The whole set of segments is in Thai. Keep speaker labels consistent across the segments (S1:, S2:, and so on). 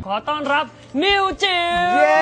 S1: ขอต้อนรับนิวจิ๋ว
S2: เย้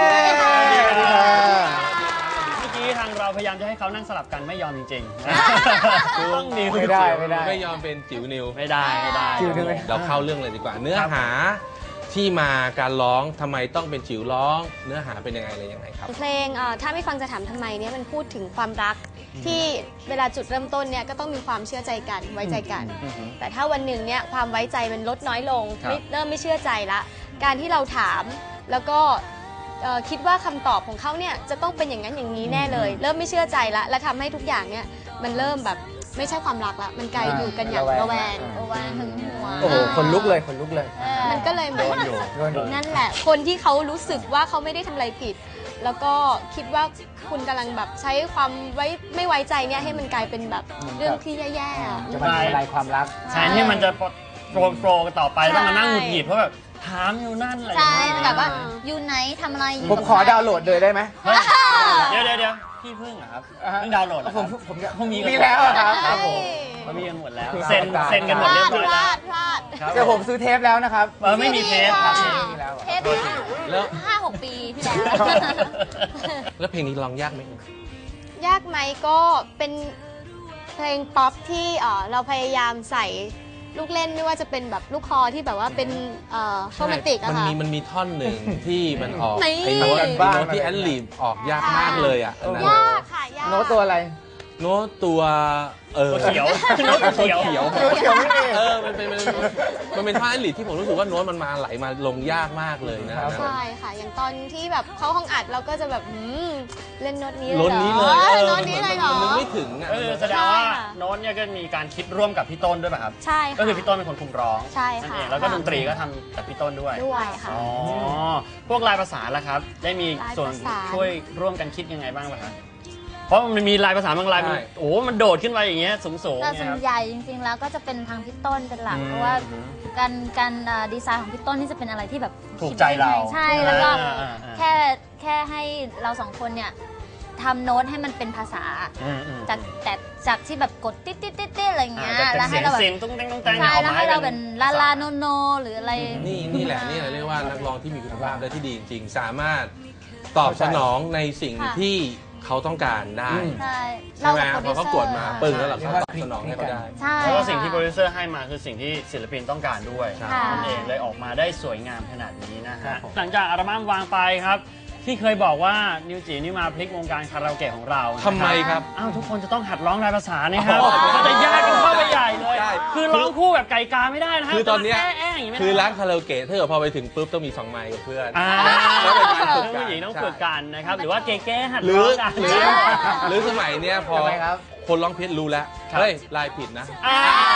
S1: เมื่อกี้ทางเราพยายามจะให้เขานั่งสลับกันไม่ยอมจริงๆต้องนิว
S2: ไม่ได้
S3: ไม่ยอมเป็นจิ๋วนิว
S1: ไม่ได้
S2: จิ๋วนิว
S3: เราเข้าเรื่องเลยดีกว่า เนื้อหาที่มาการร้องทำไมต้องเป็นจิ๋วร้อง เนื้อหาเป็นยังไงอะไรยังไงครับ
S4: เพลงถ้าไม่ฟังจะถามทำไมเนี่ยมันพูดถึงความรักที่เวลาจุดเริ่มต้นเนี่ยก็ต้องมีความเชื่อใจกันไว้ใจกัน แต่ถ้าวันหนึ่งเนี่ยความไว้ใจมันลดน้อยลงเริ่มไม่เชื่อใจละการที่เราถามแล้วก็คิดว่าคำตอบของเขาเนี่ยจะต้องเป็นอย่างนั้นอย่างนี้แน่เลย เริ่มไม่เชื่อใจละและทำให้ทุกอย่างเนี่ยมันเริ่มแบบไม่ใช่ความรักละมันกลายอยู่กันอย่างระแวงหึงหวง
S2: โอ้โหคนลุกเลยคนลุกเลย
S4: มันก็เลยเหมือน
S2: โดนอยู่
S4: นั่นแหละคนที่เขารู้สึกว่าเขาไม่ได้ทำอะไรผิด แล้วก็คิดว่าคุณกำลังแบบใช้ความไม่ไว้ใจเนี่ยให้มันกลายเป็นแบบเรื่องที่แย่ๆอะ
S2: จะมาทำลายความรัก
S1: แทนที่มันจะโปรกันต่อไปต้องมานั่งหงุดหงิดเพราะแบบถามอยู่นั่นอะไร
S5: ใช่
S1: อย่างเงี้ย
S5: แบบว่าอยู่ไหนทำอะไรอยู่
S2: ผมขอดาวน์โหลดเลยได้ไหม
S1: เฮ้ยเดี๋ยวพี่พึ่งเหรอครับเพิ่งดาวน์โหลดเหรอครับ
S2: ผมมีแล้วอะครับ
S1: ครับผมเขามีกันหมดแล้วเซ็นกันหมด
S4: พ
S1: เรีย
S4: ลา
S1: บ
S4: ด
S1: ร้อย
S4: พ
S1: แล้ว
S4: ลาดพลาด
S1: ครับ
S2: เดี๋ยวผมซื้อเทปแล้วนะครับ
S1: ไม่มีเทปครับ
S2: มีแล้ว
S5: เทป
S3: แล้ว
S5: 5-6 ปีที่แล้ว
S3: แล้วเพลงนี้ร้องยากไหม
S4: ยากไหมก็เป็นเพลงป๊อปที่เราพยายามใส่ลูกเล่นไม่ว่าจะเป็นแบบลูกคอที่แบบว่าเป็นโรแมนติกอะค่ะ
S3: มันมีท่อนหนึ่งที่มันออก
S4: นี่
S3: ไอ้โน้ตที่แอนลีฟออกยากมากเลยอ่ะอันนั้น
S4: ยากค่ะยาก
S2: โน้ตตัวอะไร
S3: โน้ตตัว
S1: ตัวเขียวโน้ตเขียว
S2: ตัวเขียวไม่มี
S3: มันเป็นท่อนแอนลีฟที่ผมรู้สึกว่าโน้ตมันมาไหลมาลงยากมากเลยนะ
S4: ใช่ค่ะ อย่างตอนที่แบบเข้าห้องอัดเราก็จะแบบเล่นโน้ตนี้เลย
S3: ล้น
S4: เหรอ
S3: นี้เลย
S4: โน้ตนี้เลยเหรอ
S3: มันนึกไม่ถึงอ่ะ
S1: แสดงว่าโน้ตเนี่ยก็มีการคิดร่วมกับพี่ต้นด้วยป่ะครับ
S4: ใช่ค่ะ
S1: ก็คือพี่ต้นเป็นคนคุมร้อง
S4: ใช่
S1: นั่น
S4: ค่ะ
S1: เองแล้วก็ดนตรีก็ทำจากพี่ต้นด้วย
S4: ด้วยค่ะ
S1: อ๋อพวกลายประสานล่ะครับ ได้มีส่วน
S4: ลายประสาน
S1: ช่วยร่วมกันคิดยังไงบ้างป่ะครับเพราะมันมีลายประสานบางลายมันโอ้มันโดดขึ้นไปอย่างเงี้ยสูงๆ
S5: แต่
S1: เนี่ย
S5: ส่
S1: ค
S5: วน
S1: รับ
S5: ใหญ่จริงๆแล้วก็จะเป็นทางพี่ต้นเป็นหลักเพราะว่าการดีไซน์ของพี่ต้นนี่จะเป็นอะไรที่แบบ
S1: ถูกใจเรา
S5: ใช่แล้วก็
S1: อ่า
S5: แค่ให้เราสองคนเนี่ยทำโน้ตให้มันเป็นภาษาจากที่แบบกดติ๊ดติ๊ดติ๊ดติ๊ดอะไรเงี้ย
S1: จาก
S5: แล้ว
S1: เสี
S5: ให้
S1: ยง
S5: เราแบบ
S1: เสียงตุ้งแตงตุ้งแตง
S5: ใช่แล้วให้เราเป็นลาลา
S1: ภษ
S5: โนโนหรืออะไร
S3: นี่แหละเรียกว่านักร้องที่มีคุณภาพและที่ดีจริงๆ สามารถตอบสนองในสิ่งที่เขาต้องการได้
S5: ใช่
S3: ใช่ไหม
S5: กับ
S3: พอเขากดมาปึ้งแล้วเราก็ตอบสนองให้เขาได้
S5: ใช่
S1: แล้วก็สิ่งที่โปรดิวเซอร์ให้มาคือสิ่งที่ศิลปินต้องการด้วย
S3: ใช่
S1: นั่นเองเลยออกมาได้สวยงามขนาดนี้นะฮะหลังจากอัลบั้มวางไปครับ ที่เคยบอกว่านิวจีนี่มาพลิกวงการคาราโอเกะของเรานะ
S3: ทำไมครับ
S1: อ้าวทุกคนจะต้องหัดร้องลายภาษาเนี่ยครับ
S3: อ๋อ
S1: มันจะยากกันเข้าไปใหญ่เลย
S3: ใช่
S1: คือร้องคู่แบบไก่กาไม่ได้นะฮะ
S3: คือตอนเนี้ย
S1: แอะๆอย่างนี้ไม่ได้
S3: คือร้านคาราโอเกะถ้าเกิดพอไปถึงปุ๊บต้องมี2ไมค์กับเพื่อน
S1: อ่า
S3: แล้วเป็นการฝึกกัน
S1: ผู้หญิงต้องฝึกกันนะครับหรือว่าเก๊ๆหัด
S3: หรื
S1: ร้
S3: อ
S1: องกัน
S3: หรือสมัยเนี้ยพอ
S2: ทำไมครับ
S3: คนร้องเพลงรู้แล้ว
S1: ครับ
S3: เฮ้ยลายผิดนะ
S1: อ่า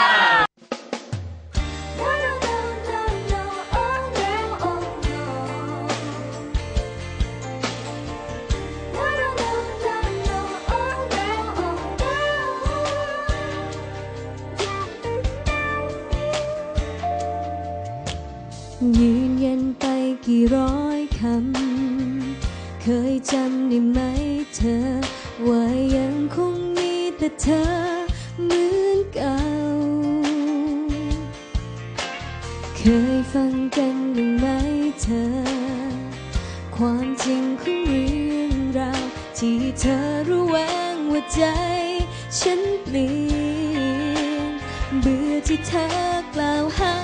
S6: ยืนยันไปกี่ร้อยคำเคยจำได้ไหมเธอว่ายังคงมีแต่เธอเหมือนเก่าเคยฟังกันบ้างไหมเธอความจริงของเรื่องราวที่เธอระแวงว่าใจฉันเปลี่ยนเบื่อที่เธอกล่าวหา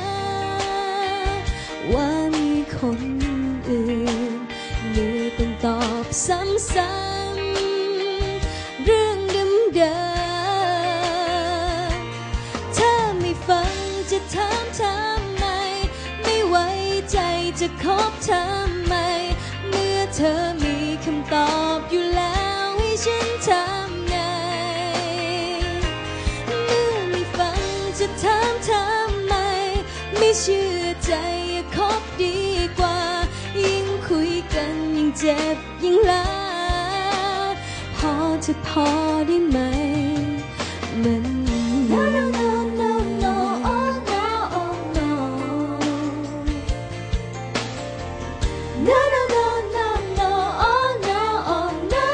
S6: ว่ามีคนอื่นเมื่อต้องตอบซ้ำๆเรื่องเดิมๆถ้าไม่ฟังจะถามทำไมไม่ไว้ใจจะคบทำไมเมื่อเธอมีคำตอบอยู่แล้วให้ฉันทำไงเมื่อไม่ฟังจะถามทำไมไม่เชื่อใจคบดีกว่ายิ่งคุยกันยิ่งเจ็บยิ่งลาพอจะพอได้ไหมมัน no no no no no oh no oh no no no no no no oh no oh no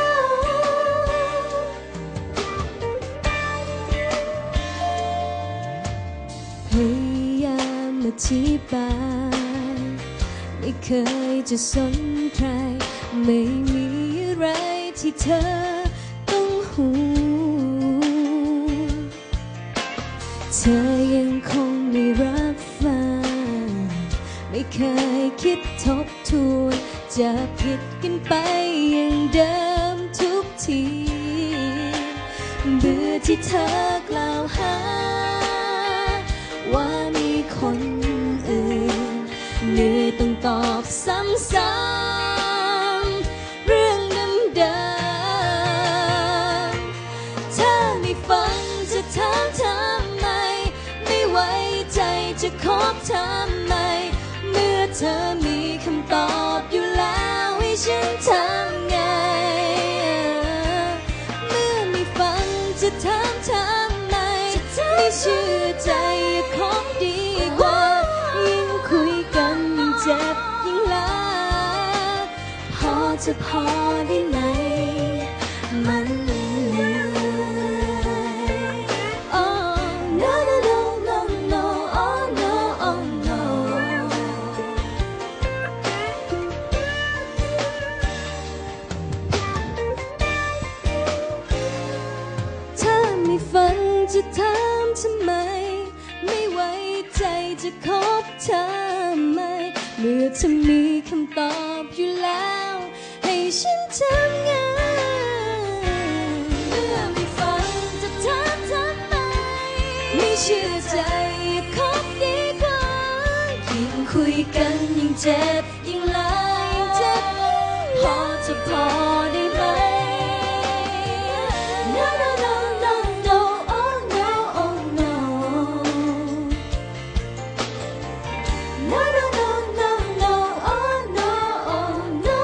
S6: พยายามอธิบายในไม่เคยจะสนใครไม่มีอะไรที่เธอต้องห่วงเธอยังคงไม่รับฟังไม่เคยคิดทบทวนจะผิดกันไปอย่างเดิมทุกทีเบื่อที่เธอกล่าวหาว่ามีคนอื่นเหนื่อยต้องตอบซ้ำๆเรื่องเดิมๆถ้าไม่ฟังจะถามทำไมไม่ไว้ใจจะคบทำไมเมื่อเธอมีคำตอบอยู่แล้วให้ฉันทำไงเมื่อไม่ฟังจะถามทำไมไม่เชื่อใจคบดีกว่ายิ่งคุยกันยิ่งเจ็บยิ่งลาพอจะพอได้ไหมมันเหนื่อย Oh no no no no no oh no oh no ถ้าไม่ฟังจะถามทำไมไม่ไว้ใจจะคบทำไมเมื่อเธอมีคำตอบอยู่แล้วให้ฉันทำไงเมื่อไม่ฟังจะถามทำไมไม่เชื่อใจคบดีกว่ายิ่งคุยกันยิ่งเจ็บยิ่งลายิ่งเจ็บพอจะพอได้ไหมNo no no no no oh no oh no No no no no no oh no oh no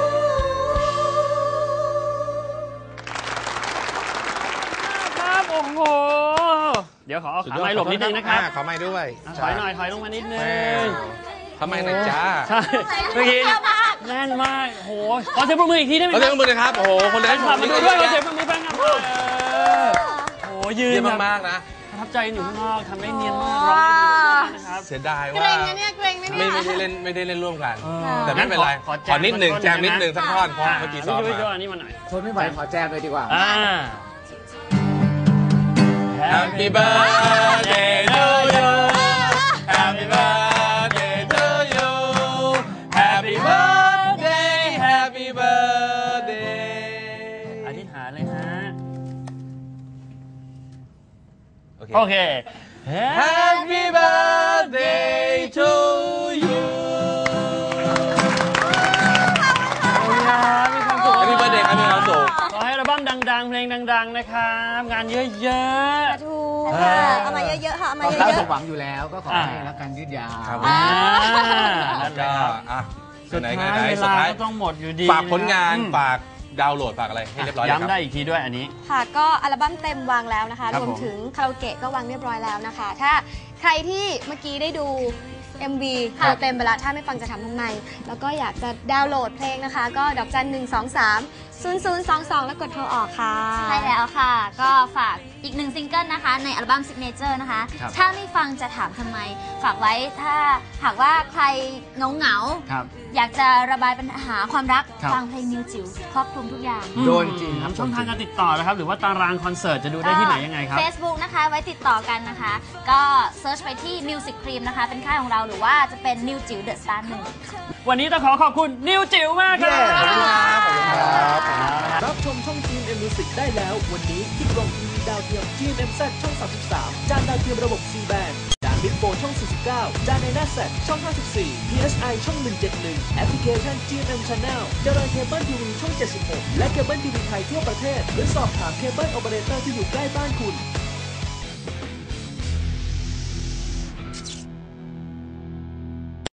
S1: ครับโอ้โหเดี๋ยวขอเอาขาไม้หลบนิดนึงนะครับ
S3: ขอไม้ด้วย
S1: ถอยหน่อยถอยลงมานิดนึง
S3: ขอไม้หน่อยจ้า
S1: ใช่เมื่อกี้แน่นมากโอ้โหขอเสียงปรบมืออีกทีได้ไหม
S3: ขอ
S1: ค
S3: เสีย
S1: รั
S3: ง
S1: บ
S3: ปรบมือนะครับ โอ้โห คน
S1: แฟ
S3: ได้
S1: น
S3: ผ
S1: คลับ
S3: ม
S1: มา
S3: นี่
S1: ดู
S3: ด้
S1: ด้
S3: ว
S1: วย ยขอ
S3: นะ
S1: เสียงปรบมือแฟนคลับโอ้โหยืน
S3: เยี่ยม
S1: แบบ
S3: มากๆนะ
S1: ประทับใจหนูข้างนอกทำได้เนียนมากร้องได้ดีมากนะครับ
S3: เสียดาย
S4: เก
S3: ว่า
S4: รงนะเนี่ยเกรงนะเนี่ย
S3: ไม่ได้เล่นร่วมกัน
S1: เออ
S3: แต่ไม่เป็นไร
S1: ขอ
S3: ขอนิดหนึ่ง
S1: แจ
S3: แจ
S1: ม
S3: ม
S1: นิ
S3: นิ
S1: ด
S3: ด
S1: นึ
S3: หนึ่
S1: ง
S3: งสักท่อนเพราะเมื่อกี้ซ้อม
S1: พี่
S3: มา
S1: ช่วยอันนี้มาหน่อย
S2: ทนไม่ไหวขอแจมเลยดีกว่า
S3: Happy birthday to you Happy birthday to you Happy birthday Happy birthday
S1: อธิษฐานเลยฮะ
S3: โอเค
S1: โอเค
S3: Happy birthday to you
S1: มีความสุข
S3: Happy birthday ครับมีความสุข
S1: ขอให้อัลบั้มดังๆ เพลงดัง ๆ นะครับ งานเยอะ
S4: ถูก
S1: ๆ
S4: ค่ะเอามาเยอะๆค่ะเอามา
S2: เรา
S4: เย
S2: คาด
S4: อะ
S2: สมหวังอยู่แล้วก็ขอให้รักกันยืดยาว
S3: ครับ
S1: อ่า
S3: แล้
S1: นั่
S3: วน
S1: แหละ
S3: ก็
S1: ครับ
S3: อ่ะ
S1: สุด
S3: ไหน
S1: ท้าย
S3: ไหน
S1: เว
S3: สุด
S1: ลา
S3: ท้าย
S1: ก็ต้องหมดอยู่ดี
S3: ฝากผลงาน
S1: อืม
S3: ฝากดาวน์โหลดฝากอะไรให้เรียบร้อยเลยค
S1: ย้ำ
S3: รับ
S1: ได้อีกทีด้วยอันนี้
S4: ๆค่ะก็อัลบั้มเต็มวางแล้วนะคะ
S1: ครับ
S4: รวมถึงคาราโอเกะก็วางเรียบร้อยแล้วนะคะ ถ้าใครที่เมื่อกี้ได้ดู MV
S1: ครับ
S4: เต็มไปแล้วถ้าไม่ฟังจะทำทำไม แล้วก็อยากจะดาวน์โหลดเพลงนะคะ ก็ดอกจัน 123 0022 แล้วกดโทรออกค่ะ
S5: ใช่แล้วค่ะ ก็ฝากอีกหนึ่งซิงเกิลนะคะ ในอัลบั้ม Signature นะคะ
S1: ครับ
S5: ถ้าไม่ฟังจะถามทำไม ฝากไว้ถ้าหากว่าใครเหงา
S1: ครับ
S5: อยากจะระบายปัญหาความรัก
S1: ครับ
S5: ฟังเพลงนิวจิ๋วครอบคลุมทุกอย่าง
S2: โดนจริงครับ
S1: ช่องทางการติดต่อนะครับ หรือว่าตารางคอนเสิร์ตจะดูได้ที่ไหนยังไงครับ
S5: Facebook นะคะไว้ติดต่อกันนะคะ ก็เซิร์ชไปที่ Music Cream นะคะ เป็นค่ายของเราหรือว่าจะเป็นนิวจิ๋วเดอะสตาร์1
S1: วันนี้ต้องขอขอบคุณนิวจิ๋วมากครับ
S2: ขอบคุณครับขอบคุณครับ
S7: รับชมช่อง GMM Music ได้แล้ววันนี้ที่กล่องทีวีดาวเทียม GMMZ ช่อง 33 จานดาวเทียมระบบ C band จานบิ๊กโฟช่อง 49 จานในหน้าแซช่อง 54 PSI ช่อง 171 แอปพลิเคชัน GMM Channel เจริญเคเบิลทีวีช่อง 76 และเคเบิลทีวีไทยทั่วประเทศหรือสอบถามเคเบิลโอเปอเรเตอร์ที่อยู่ใกล้บ้านคุณ